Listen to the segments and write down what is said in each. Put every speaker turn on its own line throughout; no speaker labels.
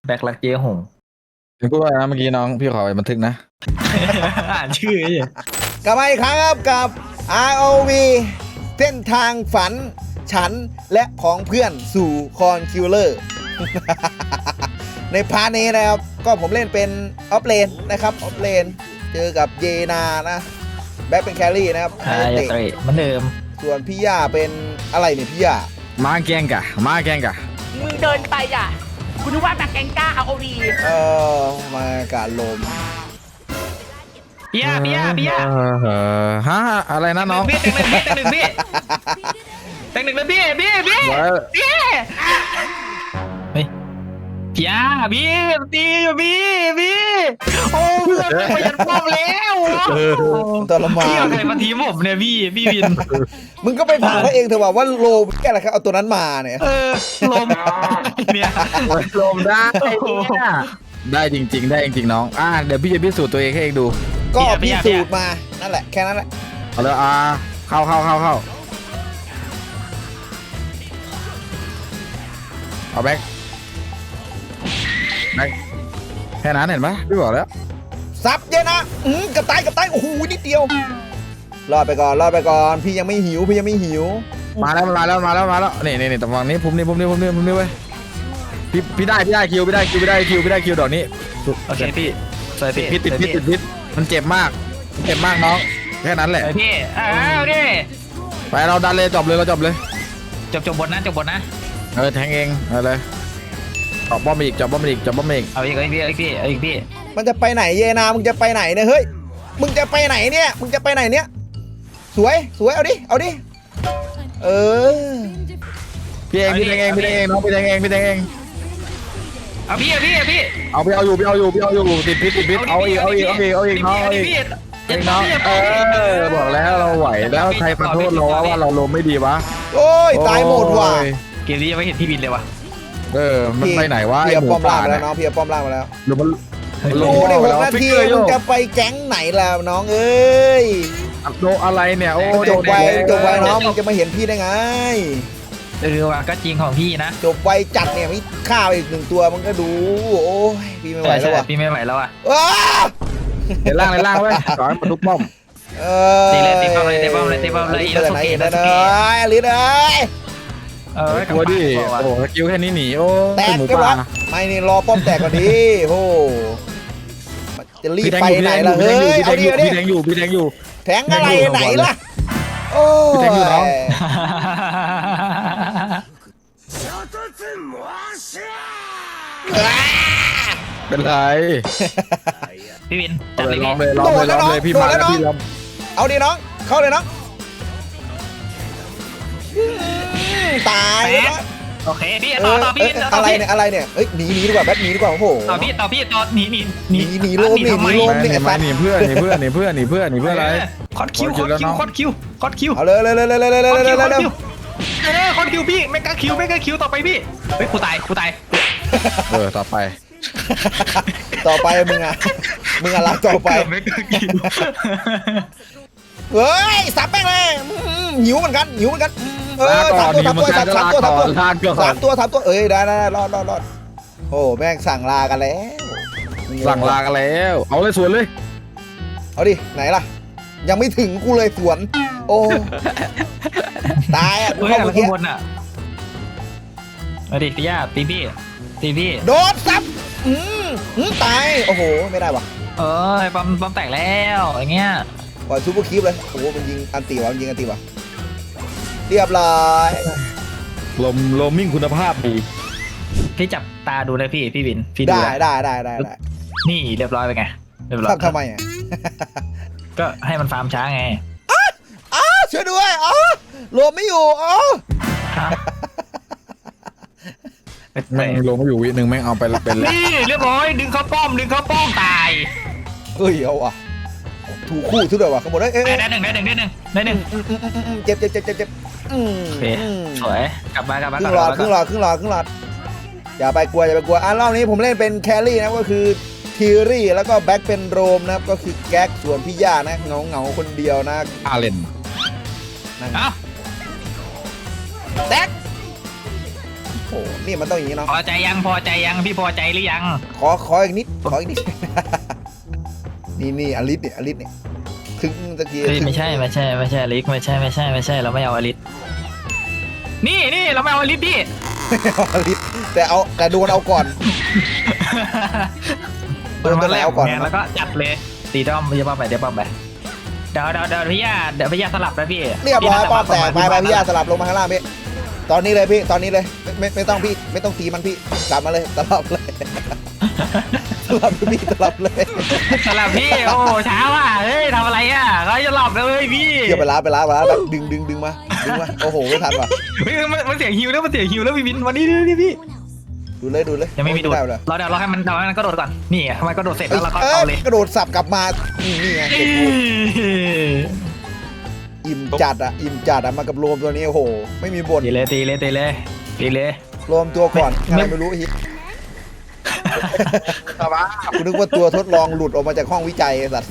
แบกรักเจ๊หง
ถึงพูดว่านะเมื่อกี้น้องพี่ขอไปบันทึกนะ
อ่านชื่อไอ้เหี้ย
กลับมาอีกครั้งครับกับ ROV เส้นทางฝันฉันและของเพื่อนสู่คอนคิวเลอร์ ในพาร์ทนี้นะครับ ก็ผมเล่นเป็นออฟเลนนะครับออฟเลนเจอกับเยนานะ แบ็คเป็นแครี่นะครับ
อ่าอย่าเตะเหมือนเดิม
ส่วนพี่ย่าเป็นอะไรเนี่ยพี่ย่า
มาแกงกะมาแกงกะ
มึงเดินไปอ่ะคุณนึกว่าแบบแกงก้าเอาดี
มาการลม
พี่ย่า
ฮะอะไรนะน้อง
พี่แต่งหนึ่งพี่แต่งหนึ่งเลยพี่เฮ้ยพี่ย่าพี่ตีอยู่พี่โอ้เพื่อนไปยันป้อมแล้ว
ทรมา
พี่เอา
น
ใครมาทีมผมเนี่ยพี่วิน
มึงก็ไปถามเขาเองเถอะว่าโลมแค่อะไรครับเอาตัวนั้นมาเนี่ย
ลมเนี่ย
ลมได้เนี่ยได้จริงๆได้จริงๆน้องเดี๋ยวพี่จะพิสูจน์ตัวเองให้เองดู
ก็พิสูจน์มานั่นแหละแค่นั้นแหละ
เอาเลยเข้าเอาแบ็คแค่นั้นเห็นปะพี่บอกแล้ว
ซับเยอะนะกับตายโอ้โหนิดเดียวรอดไปก่อนพี่ยังไม่หิว
มาแล้วนี่ตรงฝั่งนี้ผมนี่เว้ยพี่ได้คิวดอกนี้
โอเคพี่สวยพี่
ติดพิษมันเจ็บมากน้องแค่นั้นแหละ
พี่เอาดิ
ไปเราดันเลยจบเลย
จบบทนะ
แทงเองเอาเลยจบป้อมอีก
เอาอีกพี่
มันจะไปไหนเยนามึงจะไปไหนเนี่ยเฮ้ยมึงจะไปไหนเนี่ยสวยเอาดิเออ
พี่แทงเองน้องพี่แทงเอง
เอาพี่
เอาอยู่ติดพิษเอาอีกน้องบอกแล้วเราไหวแล้วใครมาโทษเราว่าเราลมไม่ดีวะ
โอ้ยตายหมดว่ะ
เกมนี้ยังไม่เห็นพี่บินเลยวะ
มันไปไหนวะ
เพียป้อมล่างแล้วน้องเพียป้อมล่างมาแล้ว
หรือมัน
ดูดิ6 นาทีมึงจะไปแก๊งไหนแล้วน้องเอ้ย
โดอะไรเนี่ยโอ้
จบไวน้องมึงจะมาเห็นพี่ได้ไง
ว่ะก็จริงของพี่นะ
จบไวจัดเนี่ยมีข้าวอีก1 ตัวมึงก็ดูโอ้ยพี่ไม่ไหวแล้วว่ะ
พี่ไม่ไหวแล้วอ่ะ
ในล่างเว้ยสอนมาทุกป้อม
ตีป้อมเลย
อินาสุเกะนะลิศ
กลัวดิโอ้สกิลแค่นี้หนีโอ้
แตกก็วะไม่นี่รอป้อมแตกก่อนดิโอ้จะรีบไปไหนล่ะเฮ้ยเอาดิ
พี่แทงอยู่
แทงอะไรไหนล่ะโอ้ย
เป็นไร
พี่วิน
ลองเลยพี่มาแล้วพี่ลอง
เอาดิน้องเข้าเลยน้องตายแล้ว
โอเคพี่ต่อพี่
อะไรเนี่ยเอ้ยหนีดีกว่าแบทหนีดีกว่าโอ้โห
ต่อพี่หนี
โลมเนี่ย
หนีเพื่อนอะไร
คอดคิว
เอาเลย
คอดคิวพี่ไม่กล้าคิวต่อไปพี่เฮ้ยกูตาย
ต่อไป
มึงอะไรต่อไป
ไม่กล้าคิว
เฮ้ยสับแป้งเลยหิวเหมือนกัน3 ตัวเอ้ยได้รอดโอ้แม่งสั่งลากันแล้ว
เอาเลยสวนเลย
เอาดิไหนล่ะยังไม่ถึงกูเลยสวนโอ้ตายอ่ะ
เข้าเมื่อกี้บนอ่ะมาดิพี่ย่าตีพี่
โดนซับตายโอ้โหไม่ได้วะ
ปั๊มแตกแล้วอย่างเงี้ย
ปล่อยซูเปอร์คีปเลยโอ้โหมันยิงอันตีวะเรียบร้อย
ลมมิ่งคุณภาพดี
พี่จับตาดูเลยพี่วินพี่ดู
ได้
นี่เรียบร้อยไปไงเรียบร้อย
ทำไมอ่ะ
ก็ให้มันฟาร์มช้าไง
ช่วยด้วยลมไม่อยู่
แม่งลงมาอยู่วินึงแม่งเอาไปเป็นแล้ว
นี่เรียบร้อยดึงเข้าป้อมตาย
เฮ้ยเอาอ่ะถูกคู่ทุกเดือนว่ะขโมย
ได้หนึ่ง
เจ็บ
สวยกลับมา
ครึ่งหลอดอย่าไปกลัวรอบนี้ผมเล่นเป็นแครี่นะก็คือทีรี่แล้วก็แบ็คเป็นโรมนะครับก็คือแก๊กส่วนพี่ย่านะเงาคนเดียวนะ
อาเลน
แท็กโอ้นี่มันต้องอย่างนี้เนาะ
พอใจยังพอใจยังพี่พอใจหรือยัง
ขออีกนิดขออีกนิด นี่อลิสเนี่ยถึงตะกี้
เฮ้ยไม่ใช่อลิสไม่ใช่เราไม่เอาอลิสนี่เราไม่เอาอลิสพี่
อลิสแต่โดนเอาก่อน
เปิดมาแล้ว
เอาก่อน
แล้วก็จัดเลยตีด้อมเดี๋ยวป้อมไปเดี๋ยวพี่ย่าสลับนะพี่
เรียบร้อยป้อมแตกไปพี่ยาสลับลงมาข้างล่างพี่ตอนนี้เลยพี่ตอนนี้เลยไม่ต้องพี่ไม่ต้องตีมันพี่กลับมาเลยสลับเลย สลับพี่สลับเลย
สลับพี่โอ้ช้าว่ะเฮ้ยทำอะไรอ่ะเขาจะหลับเลยพี่
เกี่ยวไปล้าแบบดึงมาโอ้โหไม่ทันว่ะ
เฮ้ยมันเสียงฮิวแล้วพี่วินวันนี้พี่
ดูเลย
ยังไม่มีดูด
ด้เลย
เราให้มันก็โดดก่อนนี่ทำไมก็โดดเสร็จแล้วเราก็เอาเลย
กระโดดสับกลับมานี่ไงอิ่มจัดอะมากับโรมตัวนี้โอ้โหไม่มีบ่น
ตีเลย
โรมตัวก่อนอะไรไม่รู้ฮิตกูนึกว่าตัวทดลองหลุดออกมาจากห้องวิจัยไอ้สัตว์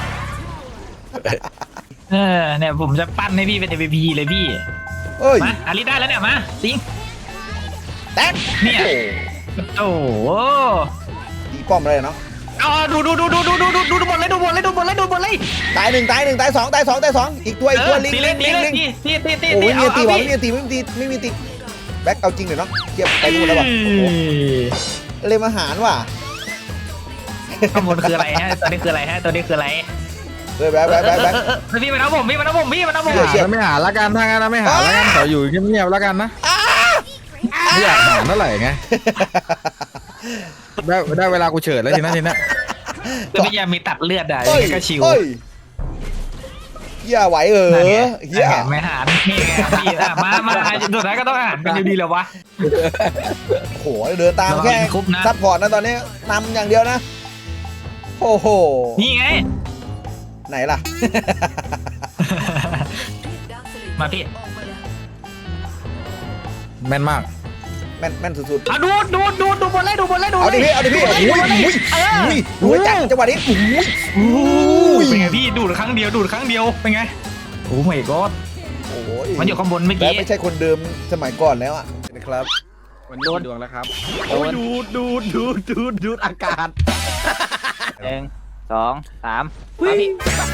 เนี่ยผมจะปั้นให้พี่เป็น MVP เลยพี่
เอ้ย
มาอาริได้แล้วเนี่ยมาจริง
แตก
เนี่ย โอ้โห
ตีป้อมอะไรเนาะ
เอาดูบอลเลย
ตายหนึ่งตายสองอีกตัวลิง
ตี
โอ้ยมีตี
เอา
ไม่มีตีแบ็คเอาจริงเดี๋ยวเนาะเก็บไปดูแล้วป่ะเลยมาหารว่ะ
ข้างบนคืออะไรฮะตัวนี้คืออะไร
เฮ้ยแบ็ค
พี่มาเอาผม
ไม่หาละกันถ้างั้นนะไม่หาละกันขออยู่เงียบๆละกันนะไม่อยากหาเท่าไหร่ไงได้เวลากูเฉิดแล้วทีนั้น
แล้วพี่ยามีตัดเลือดอ่ะก็ชิว
เฮียไหวเฮีย
ไม่หารนี่ไงพี่มาสุดท้ายก็ต้องหารกันอยู่ดีแล้ววะ
โหเดินตามแค่ซัพพอร์ตนะตอนนี้นำอย่างเดียวนะโอ้โห
นี่ไง
ไหนล่ะ
มาพี่
แม่นมาก
แม่นสุดๆ
ดูบอลเลย
เอาดิพี่รวยจังจังหวะนี้
เป็นไงพี่ดูดครั้งเดียวเป็นไงโอ้ไม่ก็
โอ้ย
มันอยู่ข้างบนเมื่อกี้
ไม่ใช่คนเดิมสมัยก่อนแล้วอ่ะนะครับ
วันนี้ดวงแล้วครับ
โอ้ยดูดอากาศ
1 2 3พี่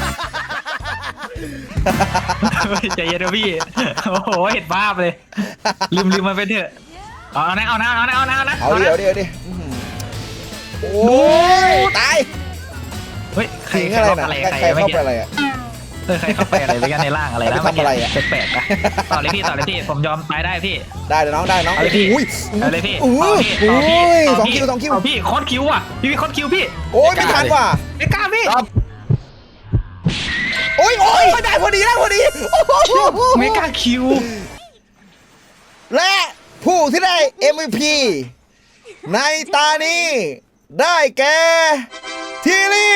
ใจเย็นนะพี่โอ้โหเห็นภาพเลยลืมมันไปเถอะเอานะ
เอาเดี๋ยวโอ้ยตาย
เฮ้ยใคร
อะไรนะใครเข้าไปอะไรอ่ะ
ใครเข้าไปอะไรไปกันในร่างอะไรนะ
ทำอะไรอ่ะ
แปลกๆนะต่อเลยพี่ผมยอมตายได้พี่
ได้เลยน้อง
เอาเลยพี่
2 คิว
พี่คอนคิวอ่ะพี่คอนคิวพี่
โอ้ยไม่ทันว่ะ
ไม่กล้าพี่
โอ้ยได้พอดี
ไม่กล้าคิว
และผู้ที่ได้ MVP ในตานี้ได้แก่ทีลี่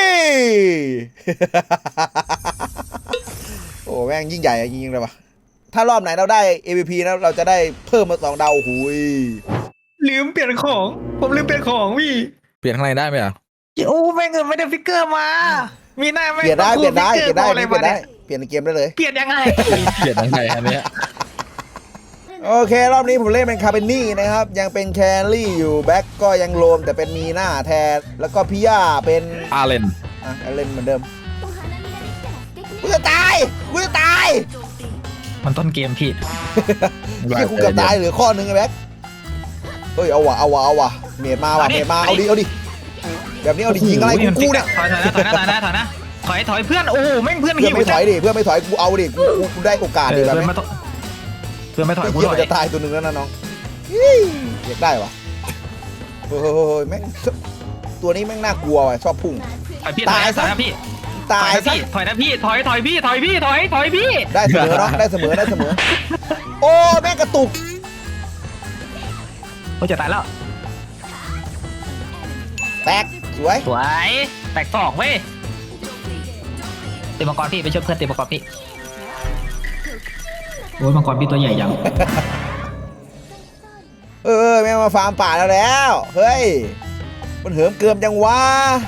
โอ้แม่งยิ่งใหญ่จริงๆเลยว่ะถ้ารอบไหนเราได้ MVP นะเราจะได้เพิ่มมา2 ดาวหุย
ลืมเปลี่ยนของผมลืมเปลี่ยนของพี่
เปลี่ยนข้างในได้ไหมอ่ะ
โอ้แม่งเงินไม่ได้ฟิกเกอร์มามีหน้าไม่
เปลี่ยนได้เปลี่ยนในเกมได้เลย
เปลี่ยนยังไง
เปลี่ยนข้างในอันเนี้ย
โอเครอบนี้ผมเล่นเป็นคาเปนนี่นะครับยังเป็นแครี่อยู่แบ็คก็ยังโลมแต่เป็นมีหน้าแทนแล้วก็พี่ย่าเป็น
อาเลน
เล่นเหมือนเดิมกูจะตาย
มันต้นเกมพี่
ที่กูเกือบตายเหลือข้อนึงไอ้แบ็คเฮ้ยเอาว่ะเมียมาเอาดิแบบนี้เอาดิยิงอะไรกูเนี่ย
ถอยนะถอยเพื่อนโอ้แม่งเพื่อน
เพื่อนไม่ถอยกูเอาดิกูได้โอกาสดิแบบนี้
เพื่อนไม่ถอยกู
มันจะตายตัวหนึ่งแล้วนะน้องอยากได้วะเฮ้ยแม่งตัวนี้แม่งน่ากลัวว่ะชอบพุ่ง
ตายซะพี่ถอยนะพี่ถอยพี่
ได้เสมอเนาะได้เสมอโอ้แม่งกระตุก
โอ้จะตายแล้ว
แตกสวย
แตก2เว้ยตีมังกรพี่ไปช่วยเพื่อนตีมังกรพี่โอ้ยมังกรพี่ตัวใหญ่ยัง
แม่งมาฟาร์มป่าแล้วเฮ้ยมันเหิมเกิมจังวะ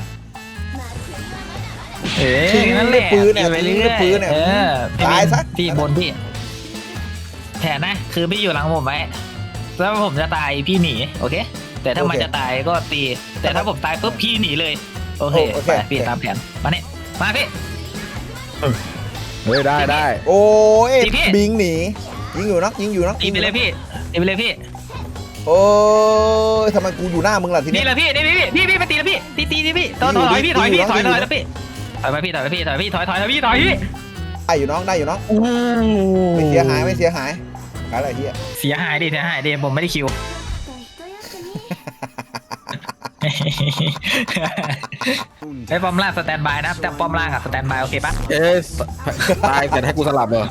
นั่นแหละ
ปืนเนี่ย
ตายซะพี่บนพี่แผนนะคือพี่อยู่หลังผมไว้แล้วผมจะตายพี่หนีโอเค แต่ถ้ามันจะตายก็ตี แต่ถ้าผมตายปุ๊บพี่หนีเลยโอเคไปพี่ตามแผนมาเนี่ยมาพี่
เฮ้ยได้
โอ้ย
ตีพี่
บิงหนียิงอยู่นะยิงอยู่นะ
ตีไปเลยพี่ตีไปเลยพี่
โอ้ยทำไมกูอยู่หน้ามึงล่ะที
นี่
นี้
แหละพี่นี่พี่ไปตีแล้วพี่ตีพี่ถอยแล้วพี่ถอยแล้วพี่ถอยไปพี่ถอยไปพี่ถอยพี่ถอยพี่
ได้อยู่น้องได้อยู่น้องไม่เสียหายไม่เสียหายอะไรเฮีย
เสียหายดิผมไม่ได้คิวไอ้ป้อมล่างสแตนบายนะครับแต่ป้อมล่างอะสแตนบายโอเคปะ
เอ๊ะตายแต่ให้กูสลับเหรอ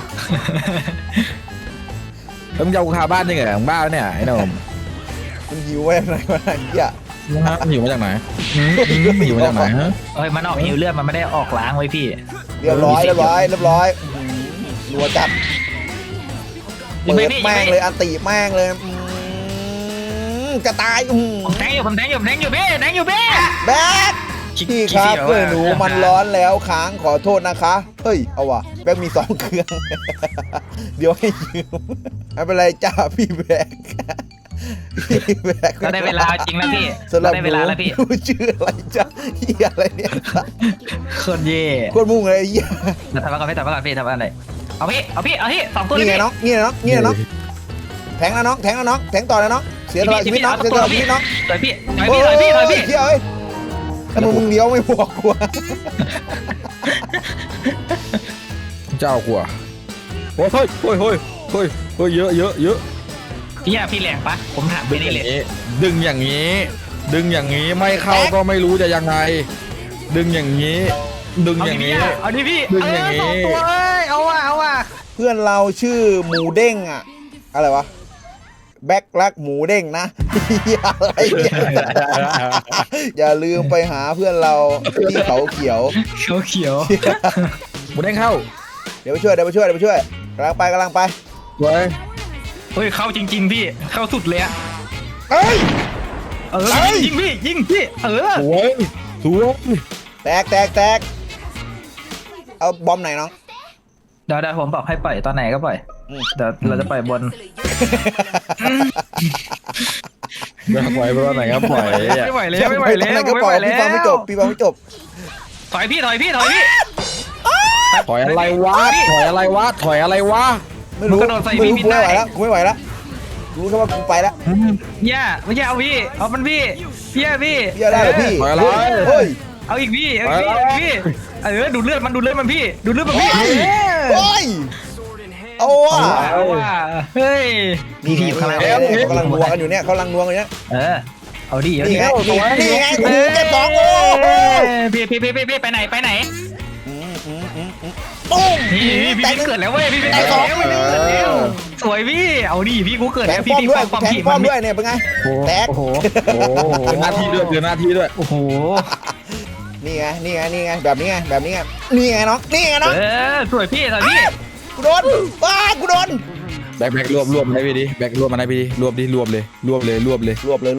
แล้วมึงจะเอากูคาบ้านยังไงของบ้าเนี่ยไอ้หนุ่ม
มึงหิวไว้ไหนวะเฮีย
มันอยู่มาจากไหนอยู่มาจากไหนฮะ
เฮ้ยมันออกหิวเลือดมันไม่ได้ออกล้างไว้พี่
เรียบร้อยรัวจัดเปิดแม่งเลยอันตีแม่งเลยจะตาย
ผมแทงอยู่พี่
แบ๊กพี่ครับเพื่อนหนูมันร้อนแล้วค้างขอโทษนะคะเฮ้ยเอาว่ะแบ๊กมี2 เครื่อง เดี๋ยวให้ยืมไม่เป็นไรจ้าพี่แบ๊ก
ก็ได้เวลาจริงแล้วพี่
สำหรับ
ได้เวลาแล้วพี่
หนูชื่ออะไรจ้าเฮียอะไรเนี่ย
โคตรเย่
โคตรมุ่งเลยเฮีย
ทำมาก่อนพี่ทำอะไรเอาพี่2 ตัว
นี่
เลย
ไง
พี่
น้องแทงแล้วน้องแทงต่อเลยน้องเสียตลอดชีวิตน้องเสียตลอดชีวิตน้อง
ถอยพี่
เฮ้ยเฮ้ยทำไมมึงเลี้ยวไม่บอกกู
เจ้ากลัวโอ้ยเยอะ
พี่แรงปะผมถามไปนี่เลย
ดึงอย่างนี้ไม่เข้าก็ไม่รู้จะยังไง ดึงอย่างนี้
เอาดิพี่
ดึงอย่างนี้
2 ตัวเอาว่ะ
เพื่อนเราชื่อหมูเด้งอะอะไรวะแบ็คลักหมูเด้งนะ อะไรเนี่ยอย่าลืมไปหาเพื่อนเราที่เขาเขียว
หมูเด้งเข้า
เดี๋ยวไปช่วยกำลังไป
เว้ย
เฮ้ยเข้าจริงๆพี่เข้าสุดเลยอะ
เอ้ย
ยิงพี่
สวย
แตกเอาบอมไหนน้อง
เดี๋ยวผมบอกให้ปล่อยตอนไหนก็ปล่อยเดี๋ยวเราจะปล่อยบน
ไม่ปล่อยไปตอนไหนครับปล่อย
ไม่ไหวแล้ว
ก็ปล่อยพี่ฟังไม่จบ
ถอยพี่
ถอยอะไรวะ
ไม่รู้กูไม่ไหวแล้วรู้แค่ว่ากูไปแล้ว
ย่าไม่ใช่เอาพี่เอามันพี่พี่
ได้เหรอพี่
ถอยอะไร
เฮ้ย
เอาอีกพี่ดูดเลือดมันพี่
โอ้ยเอาว่ะ
เฮ้ย
นี่อยู่ข้างล่างเขากำลังนัวกันอยู่เนี่ย
เอาดิ
นี่ไงโอ้โหเก็บ2โอ้
พี่ไปไหน
ตุ้ม
พี่เกิดแล้วเว้ยพี่ไปแล้วสวยพี่เอาดิพี่กูเกิดแล้วพี่ความ
แทง
ผี
ป้
มั
อน มด้วยเนี่ยเป็นไงแตก
โอ้โหหน้าที่ด้วย
โอ้โห
นี่ไงแบบนี้ไงนี่ไงน้อง
สวยพี่
กูโดนกูโดน
แบกรวบให้พี่ดิแบกรวบมาให้พี่ดิรวบเลย
รวบแล้วเนี่ยรวบแล้ว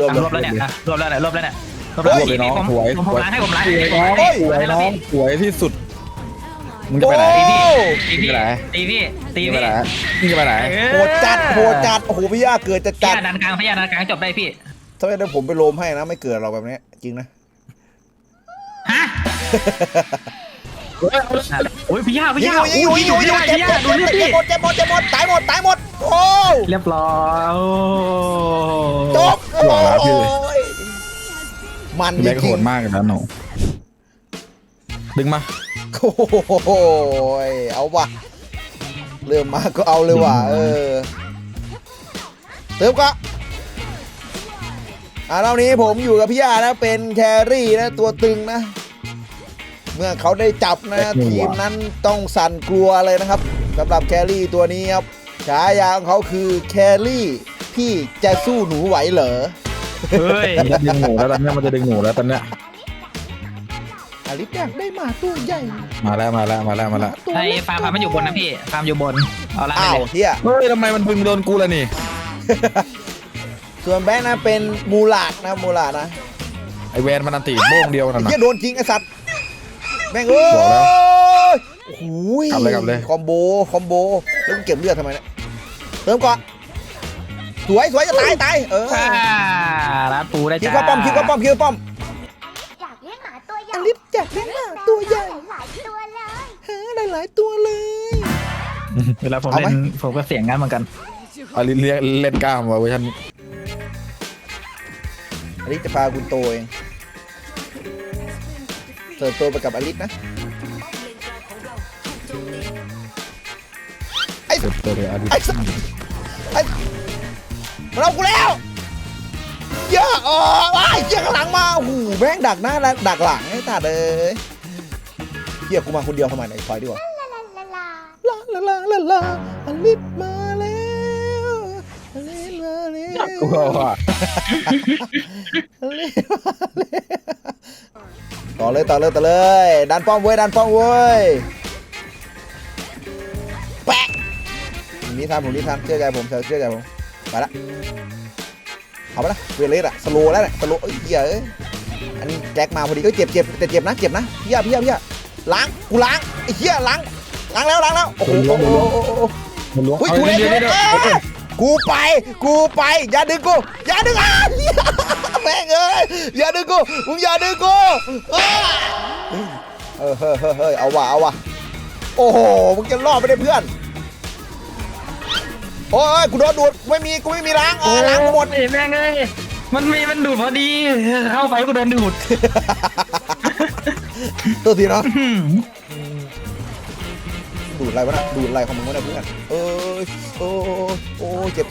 น้องผมล้างให้ผมล้าง
น้องสวยที่สุดมึงจะไปไหน
ตีพี่
ไปไหน
โหดจัดโอ้โหพี่ย่าเกิดจัด
พยานันกลางจบได้พี่
ถ้าไม่ได้ผมไปโลมให้นะไม่เกิดเราแบบนี้จริงนะ
ฮะโอ้ยพี่ย่าเจ็บหมดตายหมดโอ้เรียบร้อย
จบมันจริง
โหดมากเลยนะหนูดึงมา
โอ้ยเอาว่ะเริ่มมาก็เอาเลยว่ะเติมก็รอบนี้ผมอยู่กับพี่ย่านะเป็นแครี่นะตัวตึงนะเมื่อเขาได้จับนะทีมนั้นต้องสั่นกลัวเลยนะครับสำหรับแครี่ตัวนี้ครับฉายาของเขาคือแครี่พี่จะสู้หนูไหวเหรอ
เฮ้ย
มันจะดึงหนูแล้วตอนนี้ตอนเนี้ย
อลิสอยากได้หมาตัวใหญ่
มาแล้ว
ไอ้ฟาร์มมันอยู่บนนะพี่ฟาร์มอยู่บนเอาละ
เฮีย
เฮ้ยทำไมมันพึงโดนกูล่ะนี่
ส่วนแบงค์นะเป็นมูลาดนะ
ไอแวนมันอันตีโบ้งเดียวนั่นนะ
เฮียโดนจริงไอสัตว์แบงค์โอ้โหคอมโบแล้วมึงเก็บเลือดทำไมเนี่ยเติมก่อนสวยจะตาย
ร้านปูได้
คิว
จ้า
เข้าป้อมคิวเข้าป้อม
อยากเลี้ยงหมาตัวใหญ่
อลิสอยากเลี้ยงหมาตัวใหญ่
หลายตัวเลย
หลายตัวเลย
เวลาผม
เอาไหม
เล่นผมก็เสียงงั้นเหมือนกัน
อลิเล่นกล้ามว่ะเวอร์ชันนี้
อลิสจะพาคุณโตเองเติบโตไปกับอลิสนะไอ้
เติบโตเลยอลิ
ไอ้สัสไอ้มันเอากูแล้วเยอะไอ้เหี้ยข้างหลังมาโอ้โหแม่งดักหน้าและดักหลังไอ้ตาเลยเหี้ยกูมาคนเดียวทำไมไหนคอยดีกว่า
ลาลาลาลา
ลาอลิสมาแล้วอลิสมาแล้ว
กูว่า
อลิสมาแล้วต่อเลยดันป้อมเว้ยแปะผมนี้ทำเชื่อใจผมไปละเอาไปละเวเลสอะสโลแล้วเนี่ยสโลเหี้ยเอ้ยอันนี้แจ็คมาพอดีก็เจ็บแต่เจ็บนะพี่ล้างกูล้างไอ้เหี้ยล้างแล้วโอ้โห
มันล้วง
เฮ้ยกูเล่นกูไปอย่าดึงแม่งเอ้ยอย่าดึงกูมึงอย่าดึงกูเฮ้ยเอาว่ะโอ้โหมึงจะรอดไม่ได้เพื่อนโอ้ยกูโดนดูดกูไม่มีล้างล้างกูหมด
แม่งเอ้ยมันดูดพอดีเข้าไปก็โดนดูด
ตัวทีเนาะดูดอะไรวะนะดูดอะไรของมึงวะเนี่ยเพื่อนโอ้เจ็บ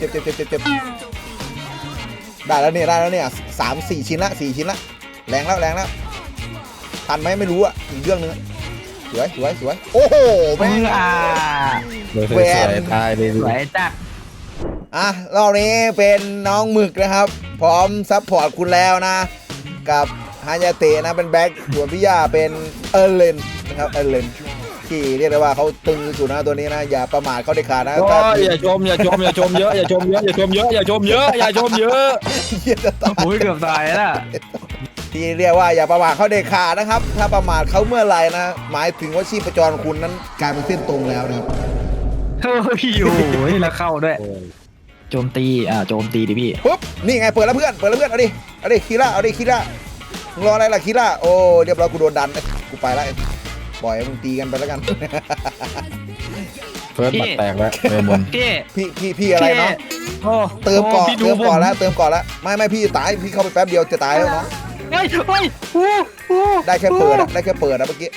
ได้แล้วเนี่ย3-4 ชิ้นละแรงแล้วทันไหมไม่รู้อ่ะอีกเรื่องนึงสวยโอ้โหแม่ง
สวยตายเลย
สวยจัด
รอบนี้เป็นน้องหมึกนะครับพร้อมซัพพอร์ตคุณแล้วนะกับฮายาเตะนะเป็นแบ็คส่วนพี่ย่าเป็นเอเลนนะครับเอเลนที่เรียกได้ว่าเขาตึงสุดนะตัวนี้นะอย่าประมาทเขาเด็ดขาดนะ
อย่าชมเยอะอย่าชมเยอะ
โอ้ยเกือบตายแล้ว
ที่เรียกว่าอย่าประมาทเขาเด็ดขาดนะครับถ้าประมาทเขาเมื่อไหร่นะหมายถึงว่าชีพจรคุณนั้นกลายเป็นเส้นตรงแล้วนะครับ
เฮ้ยโอ้ยแล้วเข้าด้วยโจมตีดิพี่
ปุ๊บนี่ไงเปิดแล้วเพื่อนเอาดิคีร่ามึงรออะไรล่ะคีร่าโอ้เรียบร้อยกูโดนดันกูไปแล้วปล่อยมึงตีกันไปแล้วกัน
เฟิร์สบัตแตกแล้วเมมน
พี่อะไรเนาะเติมก่อนแล้วไม่พี่ตายพี่เข้าไปแป๊บเดียวจะตายแล้วเนาะได้แค่เปิดอะเมื่อกี้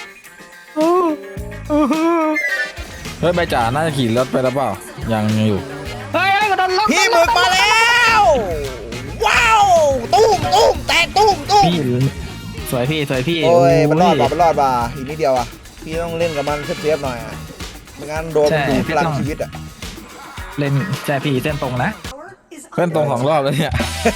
เฮ้ยใบจ่าน่าจะขี่รถไปแล้วเปล่ายังอยู่
เฮ้ยก็โดนล็อก
พี่หมึกมาแล้วว้าวตุ้มแตกตุ้ม
พี่สวยพี่
โอ้ยมันรอดป่ะอีกนิดเดียวอ่ะพี่ต้องเล่นกับมันเซฟหน่อยอ่ะไม่งั้นโดนมันดูดพลังชีวิตอ่ะ
เล่นใช่พี่เส้นตรงนะ
เพื่อนตรง2 รอบแล้วเนี่ย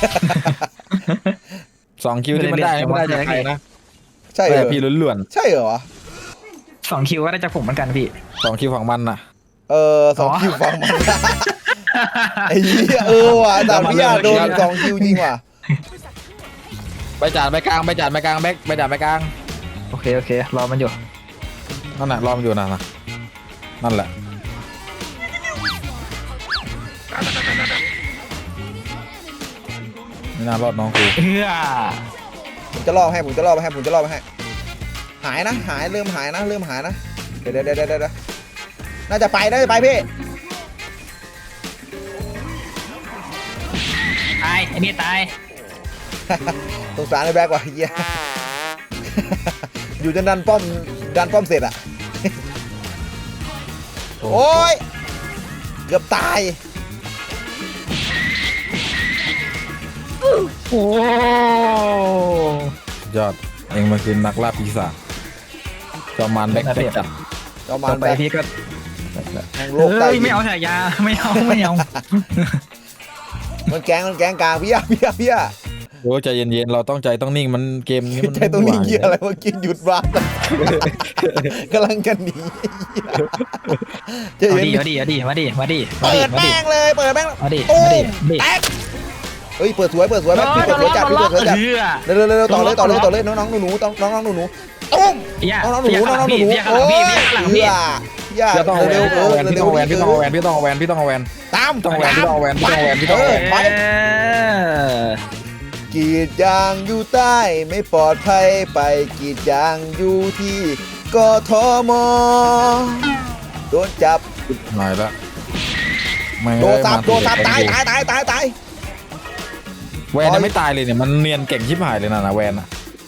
2 คิวที่มันได้จากใครนะ
ใช่เหร
แต่
อ
พี่ล้วน
ใช่เหรอ
2 คิวก็ได้จากผมเหมือนกันพี่
2 คิวของมันน่ะ
2 คิวฟังมันไอ้เหี้ยว่ะแต่พี่โดน2 คิวจริงว่ะ
ใบจ่าไปกลางแบ็คใบจ่าไปกลาง
โอเครอมันอยู่
นั่นน่ะรอมอยู่นั่นแหละไม่น่ารอดน้องกู
ผมจะล่อให้หายนะเริ่มหายนะเดี๋ยวน่าจะไปพี่
ตายไอ้นี่ตาย
สงสารไอ้แบ็กว่ะเฮียอยู่จนดันป้อมเสร็จอ่ะโอ้ยเกือบตาย
โอ้
ยอดเองมาคือนักล่าปีศาจจอมมันแบ็คจัด
ประมา
ต่
ณ
อไปพี่ก็
แห่งโลกใต้
ไม่เอาฉายาไม่เอา
มันแกงกลางพี่อะ
โอ้ใจเย็นๆเราต้องใจต้องนิ่งมันเกมนี้มัน
ใจตรงนี้เหี้ยอะไรเมื่อกี้หยุดบ้านกำลังกันหนี
เอาดิมาดิ
เปิดแม่งเลยตู้แตกเฮ้ยเปิดสวยแม่งพี่เปิดสวยจัดเร็วต่อเลยน้องหนูตุ้มน้องหนูโอ้ยพี่ย่า
พี่ต้องเอาแวน
เร็ว
พี่ต้องเอาแวน
เร็
พี่
ว
ต้องเอาแวนพี่ต้องเอาแวนพี่ต้องเอาแวน
ตาม
พี่ต้องเอาแวนพี่ต้องเอาแวนพี่ต้องเอาแวนพี่ต้องเอาแวน
ไป
เออก
รีดยางอยู่ใต้ไม่ปลอดภัยไปกรีดยางอยู่ที่กทมโดนจับ
หายละไม่
โดนซับ
มา
โดนซับตายตาย
แวนยังไม่ตายเลยเนี่ยมันเนียนเก่งชิบหายเลยนะแวนอะ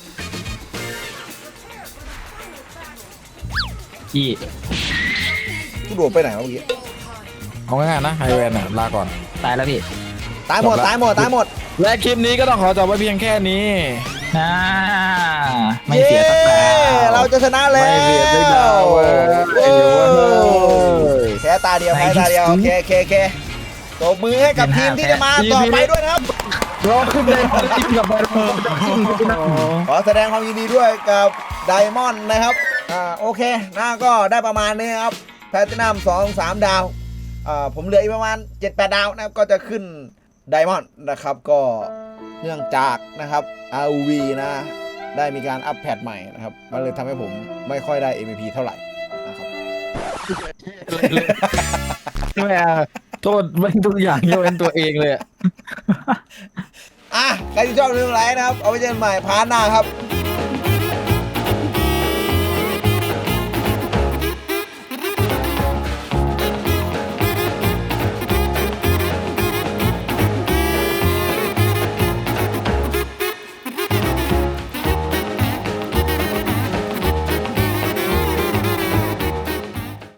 พี่
กูโดดไปไหนวะเมื่อกี้
เอาง่ายๆนะไฮแวนอะลาก่อน
ตายแล้วพี่
ตายหมด
จบละ
ตายหมดตายหมด
และคลิปนี้ก็ต้องขอจบไว้เพียงแค่นี้
อ่าไม่เสียสักดาว
เราจะชนะแล้ว
ไม่เสียสักดาวเว้ย
โอ้
เว้ย
แค่ตาเดียวแค่ตาเดียวโอเคตบมือให้กับทีมที่จะมาต่อไปด้วยนะครับ
รอขึ้นเลยจิ้มกับไปรอ
ขอแสดงความยินดีด้วยกับไดมอนด์นะครับโอเคนะก็ได้ประมาณนี้ครับแพลตินัม2-3 ดาวผมเหลืออีกประมาณ 7-8 ดาวนะครับก็จะขึ้นไดมอนด์นะครับก็เนื่องจากนะครับ ROV นะได้มีการอัปแพทใหม่นะครับมันเลยทำให้ผมไม่ค่อยได้ MVP เท่าไหร่นะครับ
ไม่เอาโทษมันทุกอย่างยกเว้นตัวเองเลยอะ
ใครที่ชอบเรื่องไรนะครับเอาไว้เจอกันใหม่พาร์ทหน้าครับ